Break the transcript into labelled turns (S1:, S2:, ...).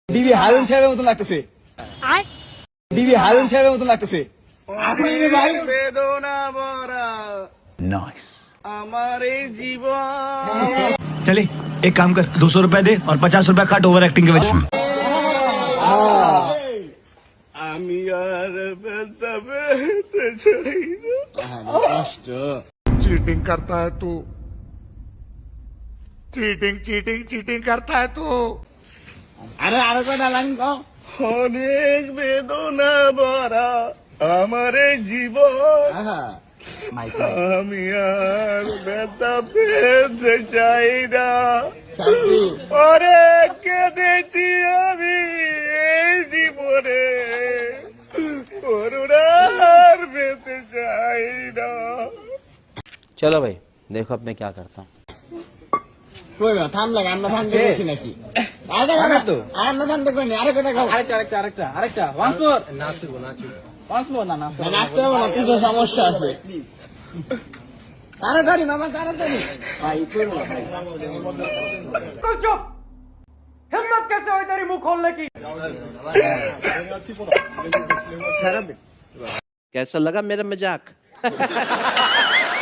S1: DB Harun সাহেবের মতন লাগতেছে। ডিবি হারুন সাহেবের মতন লাগতেছে। আসলে ভাই
S2: বেদনা ভরা
S3: नाइस
S2: আমার এই জীবন।
S3: चले एक काम कर 200 रुपए दे और 50 रुपए काट ओवर एक्टिंग के वजह
S2: আমি আর ব্যথা পেতে চাই না।
S1: কষ্ট।
S4: चीटिंग करता है तू चीटिंग चीटिंग चीटिंग करता है तू
S1: আরে আরো কয়টা লাইন কও।
S2: অনেক বেদনা ভরা আমার এই জীবন।
S1: মাইক
S2: আমি আর ব্যথা পেতে চাই না।
S1: শান্তি।
S2: অনেক কেঁদেছি আমি এই জীবনে, করুণার পেতে চাই না।
S5: चलो भाई देखो अब मैं क्या करता हूँ।
S1: কই না থাম লাগে আমরা থামতে গেছি নাকি? আরে না তো। আর না থামতে কই না। আরে কয়টা খাও। আরেকটা ওয়ান্স মোর। ওয়ান্স মোর না নাচতে হবে না, কিছু সমস্যা আছে। তাড়াতাড়ি মামা তাড়াতাড়ি। ভাই করো না ভাই।
S6: चुप हिम्मत कैसे हुई तेरी मुंह खोलने की।
S5: कैसा लगा मेरा मजाक?